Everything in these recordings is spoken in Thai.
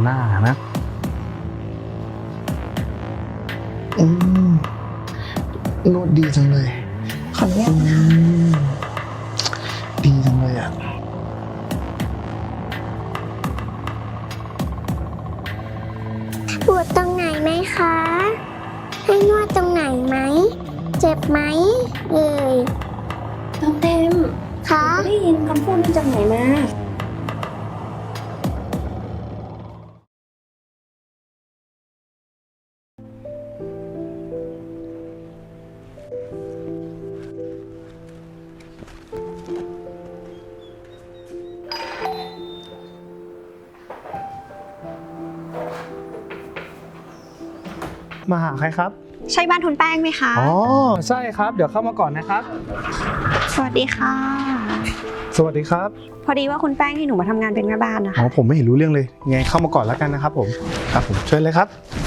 หน้านะนวดดีจังเลยขออนุญาตนะคะดีจังเลยอ่ะปวดตรงไหนไหมคะให้นวดตรงไหนไหมเจ็บไหมเอ่ยเต็มคะได้ยินคำพูดนี้จากไหนมามาหาใครครับใช่บ้านทุนแป้งไหมคะอ๋อใช่ครับเดี๋ยวเข้ามาก่อนนะครับสวัสดีค่ะสวัสดีครับพอดีว่าคุณแป้งให้หนูมาทำงานเป็นแม่บ้านนะคะอ๋อผมไม่เห็นรู้เรื่องเลยไงเข้ามาก่อนแล้วกันนะครับผมเชิญเลยครับ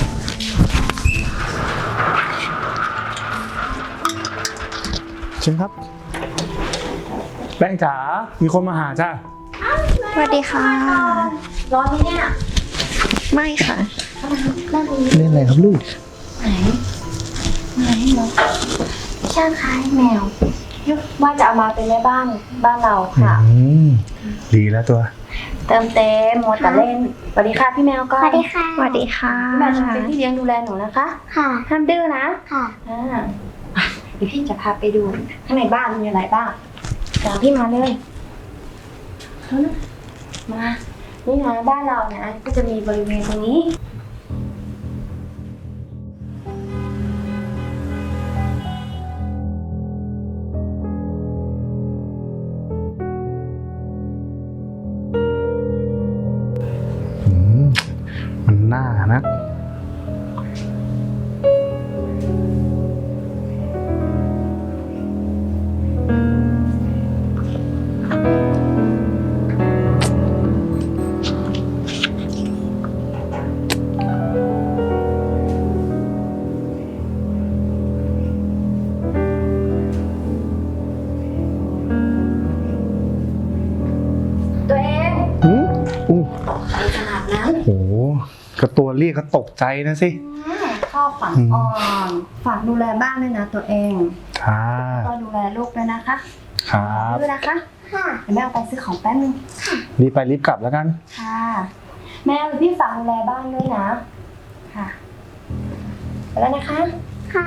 เชิญครับแป้งจ๋ามีคนมาหาจ้าสวัสดีค่ะร้อนไหมเนี่ยไม่ค่ะเล่นอะไรครับลูกไหนเหรอช่างคล้ายแมวว่าจะเอามาเป็นแม่บ้านเราค่ะดีแล้วตัวเติมเต็มมัวแต่เล่นสวัสดีค่ะพี่แมวก็สวัสดีค่ะสวัสดีค่ะพี่แมวจะเป็นพี่เลี้ยงดูแลหนูนะคะค่ะห้ามดื้อนะค่ะเดี๋ยวพี่จะพาไปดูข้างในบ้านมีอะไรบ้างตามพี่มาเลยมานี่นะบ้านเรานะก็จะมีบริเวณตรงนี้มันน่านะตัวเองไปขนาดนั้นโอ้โหก็ตัวเรียกก็ตกใจนะสิชอบฝังอ่อนฝากดูแลบ้านด้วยนะตัวเองก็ดูแลลูกด้วยนะคะครับด้วยนะคะเดี๋ยวแม่เอาไปซื้อของแป๊บนึงรีบไปรีบกลับแล้วกันค่ะแม่พี่ฝากดูแลบ้านด้วยนะค่ะไปแล้วนะคะค่ะ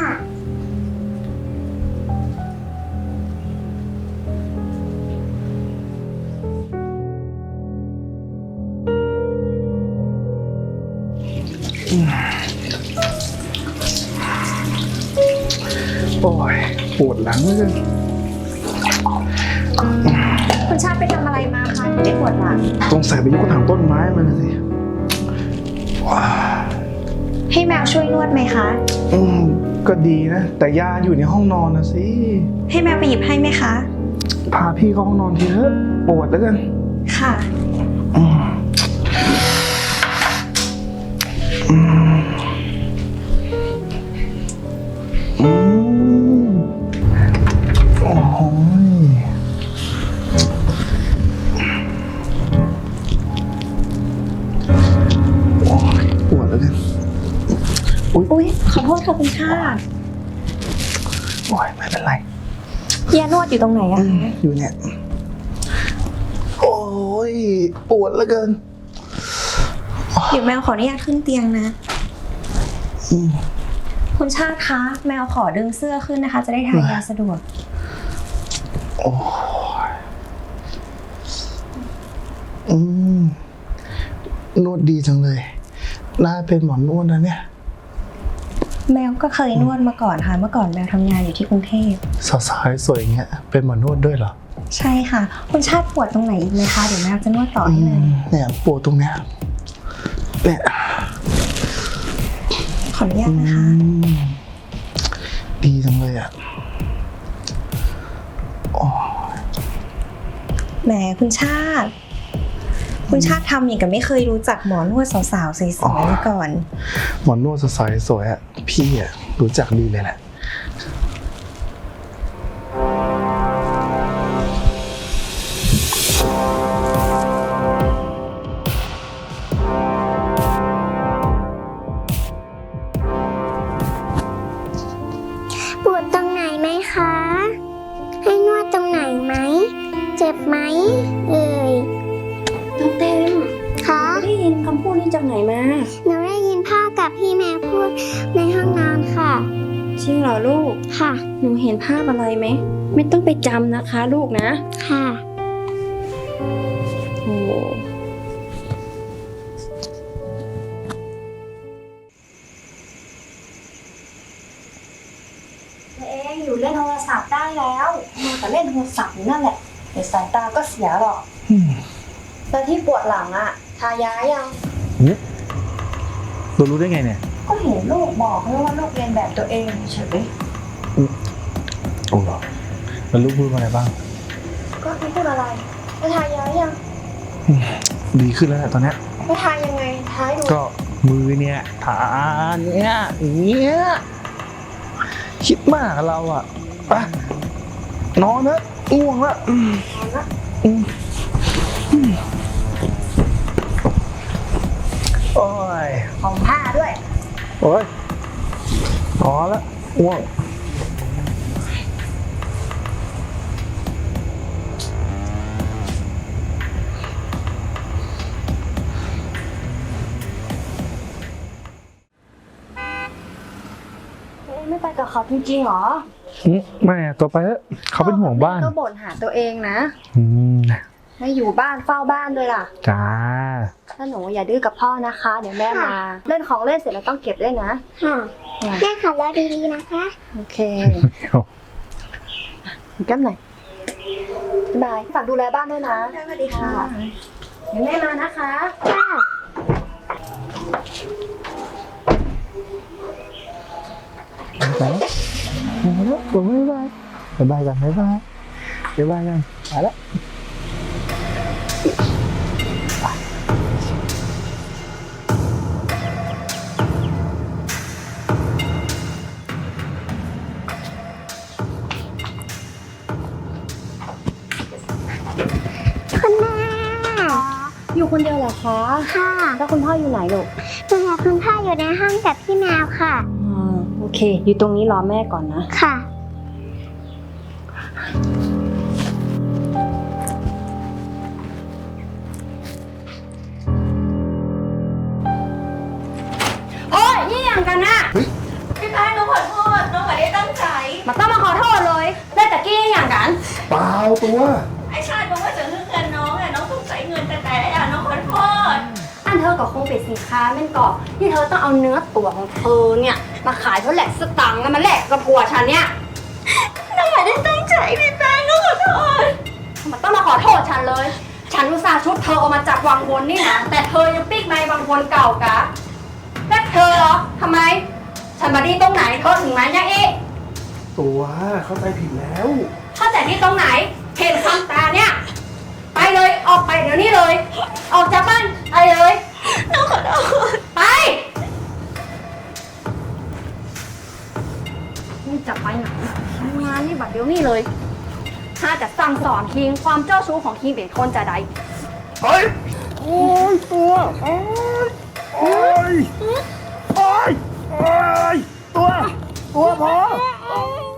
โอ้ยปวดหลังเลยคุณชาติไปทำอะไรมาคะถึงได้ปวดหลังต้องใส่ไปยกกระถางต้นไม้มาสิให้แมวช่วยนวดไหมคะก็ดีนะแต่ยาอยู่ในห้องนอนนะสิให้แมวไปหยิบให้ไหมคะพาพี่เข้าห้องนอนทีเถอะปวดแล้วกันค่ะโอ้โหปวดแล้วกันอุ๊ยขอโทษค่ะคุณชาติโอ้ยไม่เป็นไรยานวดอยู่ตรงไหนอะอยู่เนี่ยโอ้ยปวดแล้วกันเดี๋ยวแมวขออนุญาตขึ้นเตียงนะคุณชาติคะแมวขอดึงเสื้อขึ้นนะคะจะได้ทายาสะดวกโอ้นวดดีจังเลยน่าเป็นหมอนวดนะเนี่ยแมวก็เคยนวดมาก่อนค่ะเมื่อก่อนแมวทำงานอยู่ที่กรุงเทพสาวๆสวยอย่างเงี้ยเป็นหมอนวดด้วยเหรอใช่ค่ะคุณชาติปวดตรงไหนอีกไหมคะเดี๋ยวแมวจะนวดต่อให้เลยเนี่ยปวดตรงเนี้ยเนี่ยขออนุญาตนะคะดีจังเลยอ่ะแหมคุณชาติทำอย่างกับไม่เคยรู้จักหมอนวดสาวๆสวยๆมาก่อนหมอนวดสวยๆสวยอ่ะพี่อ่ะรู้จักดีเลยแหละนี่จากไหนมาหนูได้ยินพ่อกับพี่แม่พูดในห้องนอนค่ะจริงเหรอลูกค่ะหนูเห็นภาพอะไรไหม ไม่ต้องไปจำนะคะ ลูกนะค่ะโอ้ ตัวเองอยู่เล่นโทรศัพท์ได้แล้วมาแต่เล่นโทรศัพท์อยู่นั่นแหละเดี๋ยวสายตาก็เสียหรอกแล้วที่ปวดหลังอะทายายังเรารู้ได้ไงเนี่ยก็เห็นลูกบอกแล้วว่าลูกเรียนแบบตัวเองเฉยโอ้เหรอแล้วลูกพูดว่าอะไรบ้างก็ไม่พูดอะไรแล้วทายายังดีขึ้นแล้วแหละตอนเนี้ยแล้วทายยังไงทายดูก็มือเนี่ยฐานเนี่ยอย่างเงี้ยคิดมากกับเราอ่ะไปนอนนะง่วงละนอนละโอ้ยของผ้าด้วยโอ้ยนอนละง่วงตัวเองไม่ไปกับเขาจริงๆหรอไม่อะตัวไปแล้วเขาเป็นห่วงบ้านก็บ่นหาตัวเองนะอืมไม่อยู่บ้านเฝ้าบ้านด้วยล่ะจ้าถ้าหนูอย่าดื้อกับพ่อนะคะ เดี๋ยวแม่มา เล่นของเล่นเสร็จแล้วต้องเก็บด้วยนะค่ะแม่ขับรถดีๆนะคะโอเคกันหน่อยบ๊ายบายฝากดูแลบ้านด้วยนะสวัสดีค่ะเดี๋ยวแม่มานะคะค่ะไปแล้วมาแล้วผมบ๊ายบายบ๊ายบายกันบ๊ายบายบ๊ายบายกันไปแล้วคุณแม่อยู่คนเดียวเหรอคะค่ะแล้วคุณพ่ออยู่ไหนลูกหนูกับคุณพ่ออยู่ในห้องกับพี่แมวค่ะโอเค อยู่ตรงนี้รอแม่ก่อนนะค่ะโอ้ยนี่อย่างกันนะพี่พายน้องขอโทษ น้องไม่ได้ตั้งใจมาต้องมาขอโทษเลยได้แต่กี้อย่างกันเปล่าตัวไอ้ชาติบอกว่าจะเลือกเงินน้องอะน้องต้องใช้เงินแต่น้องขอโทษอันเธอก็คงเป็นสินค้าแม่นก่อที่เธอต้องเอาเนื้อตัวของเธอเนี่ยมาขายเท่าแหลกสตังค์แล้วมาแลกกับผัวฉันเนี่ยน้องไม่ได้ตั้งใจพี่พายน้องขอโทษมันต้องมาขอโทษฉันเลย ฉันอุตส่าห์ชุบเธอออกมาจากวังวนนี่นะแต่เธอยังปิ๊กในวังวนเก่ากะและเธอเหรอทำไม ฉันมาดีตรงไหนเธอถึงมาเนี่ยเอ๊ะตัวเข้าใจผิดแล้วเข้าใจที่ตรงไหนเห็นคำตาเนี่ยไปเลยออกไปเดี๋ยวนี้เลย ออกจากบ้านไปเลยน้องขอโทษไปนี่จะไปไหนทำงานนี่บัดเดี๋ยวนี้เลย ถ้าจะสั่งสอนคิงความเจ้าชู้ของคิงเป็นคนจะใดเฮ้ย โอ้ยตัวโอ้ยโอ้ยโอ้ยโอ้ยตัวพอ